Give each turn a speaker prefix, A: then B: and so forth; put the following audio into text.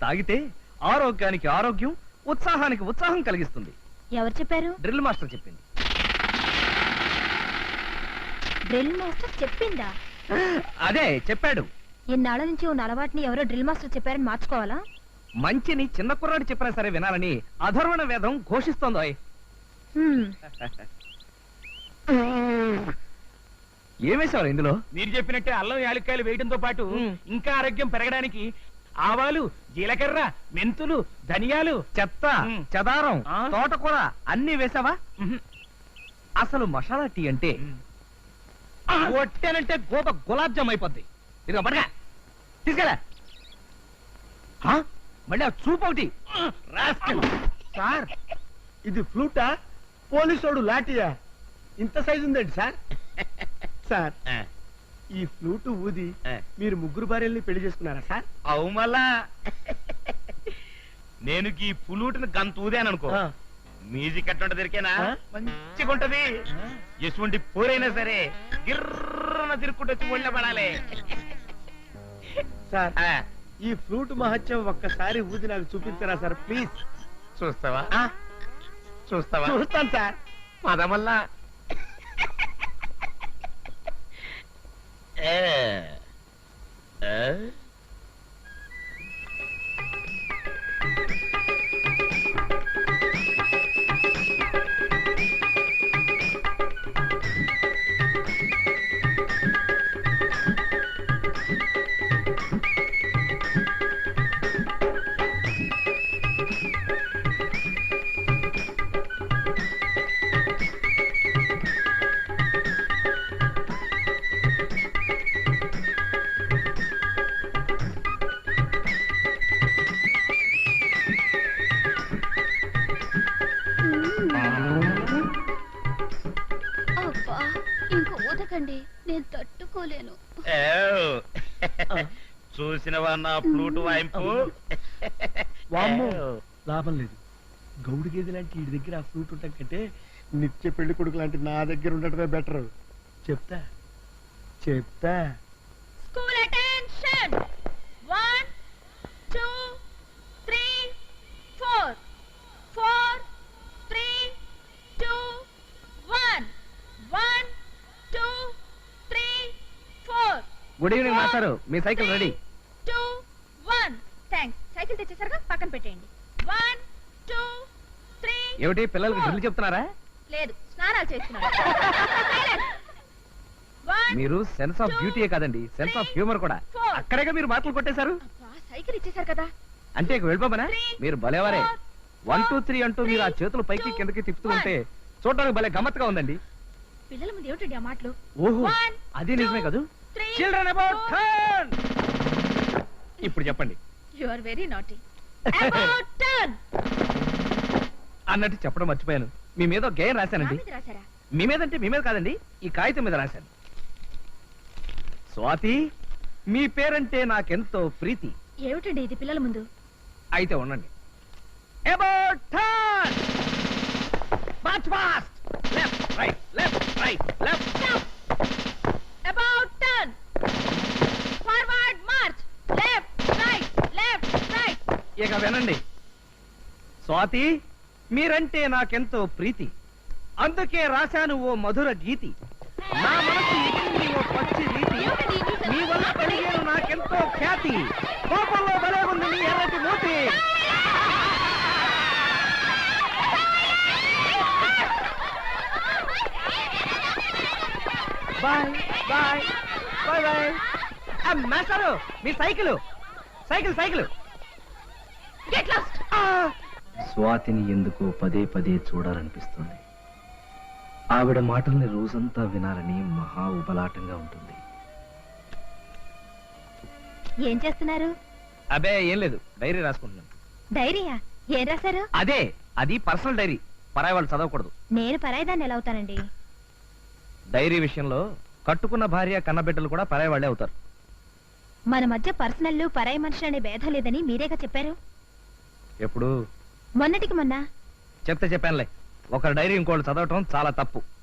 A: తాగితే ఆరోగ్యానికి ఆరోగ్యం, ఉత్సాహానికి ఉత్సాహం కలిగిస్తుంది.
B: ఎవరు చెప్పారు?
A: డ్రిల్ మాస్టర్ చెప్పింది.
B: డ్రిల్ మాస్టర్ చెప్పిందా?
A: అదే చెప్పాడు.
B: ఇన్నాళ్ళ నుంచి ఉన్న అలవాటుని ఎవరో డ్రిల్ మాస్టర్ చెప్పారని మార్చుకోవాలా?
A: మంచిని చిన్న కుర్రాడు చెప్పినా సరే వినాలని అధర్వణ వేదం ఘోషిస్తోందో. ఏమేశారు ఇందులో?
C: మీరు చెప్పినట్టే అల్లం యాలక్కాయలు వేయడంతో పాటు ఇంకా ఆరోగ్యం పెరగడానికి ఆవాలు, జీలకర్ర, మెంతులు, ధనియాలు,
A: చెత్త, చెదారం, తోటకూర అన్ని వేసావా? అసలు మసాలా టీ అంటే కొట్టానంటే గోప గులాబ్ జామ్ అయిపోద్ది. ఇదిగో పడగా తీసుకెళ్ళా. మళ్ళీ ఆ చూపు ఒకటి.
D: సార్ ఇది ఫ్లూటా, పోలీసోడు లాఠీయా? ఇంత సైజు ఉందండి సార్. సార్ ఈ ఫ్లూటు ఊది మీరు ముగ్గురు భార్యల్ని పెళ్లి చేసుకున్నారా సార్?
C: అవు మళ్ళా నేను ఈ పులూటిని గంత ఊదాను అనుకో, మ్యూజిక్ ఎట్లా దొరికేనా మంచిగా ఉంటది. ఎటువంటి పోరైనా సరే గిర్రన తిరుక్కుంటూ వచ్చి ఒళ్ళ పడాలి.
D: సార్ ఈ ఫ్లూట్ మహత్యం ఒక్కసారి ఊది నాకు చూపించరా సార్ ప్లీజ్?
C: చూస్తావా? చూస్తావా?
D: చూస్తాను సార్.
C: పదమల్లా
B: నేను తట్టుకోలేను.
C: చూసినవా నా ఫ్లూట్ వాయింపు?
D: లాభం లేదు. గౌడు గేదె లాంటి వీడి దగ్గర ఆ ఫ్లూట్ ఉండటం కంటే నిత్య పెళ్లి కొడుకు లాంటి నా దగ్గర ఉండటమే బెటర్. చెప్తా చెప్తా.
B: School attention. 1 2 3 4 4 3 2 1 1 2 3 4.
A: గుడ్ ఈవినింగ్ మాస్టారు, మీ సైకిల్ రెడీ.
B: 2 1. థాంక్స్. సైకిల్ తెచ్చేసరిగా పక్కన పెట్టేయండి. 1 2 3.
A: ఏమిటి పిల్లలకి డ్రిల్ చెప్తున్నారా?
B: లేదు, స్నానాలు చేస్తున్నారు.
A: మీరు సెన్స్ ఆఫ్ బ్యూటీయే కాదండి, సెన్స్ ఆఫ్ హ్యూమర్ కూడా. అక్కడేగా మీరు మాటలు కొట్టేశారు.
B: సైకిల్ ఇచ్చేసారు కదా
A: అంటే ఇక వెళ్ళిపోమనా? మీరు భలేవారే. 1 2 3 అంటూ మీరు ఆ చేతులు పైకి కిందకి తిప్పుతూ ఉంటే చూడడానికి భలే గమ్మత్తుగా ఉందండి.
B: పిల్లల ముందు ఏమిటండి ఆ మాటలు?
A: ఓహో, అది నిజమే కదూ. Children about turn. ఇప్పుడు చెప్పండి.
B: You are very naughty. About turn
A: అన్నట్టు చెప్పడం మర్చిపోయాను. మీ మీద ఒక గేయం రాశానండి.
B: రాశారా?
A: మీ మీద అంటే మీ మీద కాదండి, ఈ కాగితం మీద రాశాను. స్వాతి, మీ పేరంటే నాకెంతో ప్రీతి.
B: ఏమిటండి ఇది పిల్లల ముందు?
A: అయితే ఉండండి. About turn. March fast. Left right left right left.
B: About turn. Forward march. Left right left right.
A: ఇక వినండి. స్వాతి, మీరంటే నాకెంతో ప్రీతి, అందుకే రాశాను ఓ మధుర గీతి. నా మనసు ఎక్కింది ఓ పచ్చి రీతి, మీ వల్ల కలిగేను నాకెంతో ఖ్యాతి. కోపంలో భలే ఉంది నీ ఎర్రటి మూతి. Bye bye bye bye. మాస్టారు, మీ cycle cycle cycle.
B: Get lost.
A: స్వాతిని ఎందుకో పదే పదే చూడాలనిపిస్తుంది. ఆవిడ మాటల్ని రోజంతా వినాలని మహా ఉబలాటంగా ఉంటుంది.
B: ఏం చేస్తున్నారు?
A: అబే ఏం లేదు, డైరీ రాసుకుంటున్నాను.
B: డైరీయా? ఏం రాశారు?
A: అదే, అది పర్సనల్ డైరీ, పరాయి వాళ్ళు చదవకూడదు.
B: నేను పరాయిదాన్ని ఎలా అవుతానండి?
A: డైరీ విషయంలో కట్టుకున్న భార్య కన్నబిడ్డలు కూడా పరాయి వాళ్ళే అవుతారు.
B: మన మధ్య పర్సనల్ పరాయి మనిషి అనే భేదం లేదని మీరేగా చెప్పారు.
A: ఎప్పుడు?
B: మొన్నటికి మొన్న.
A: చెప్తే చెప్పానులే, ఒకరి డైరీ ఇంకోళ్ళు చదవటం చాలా తప్పు.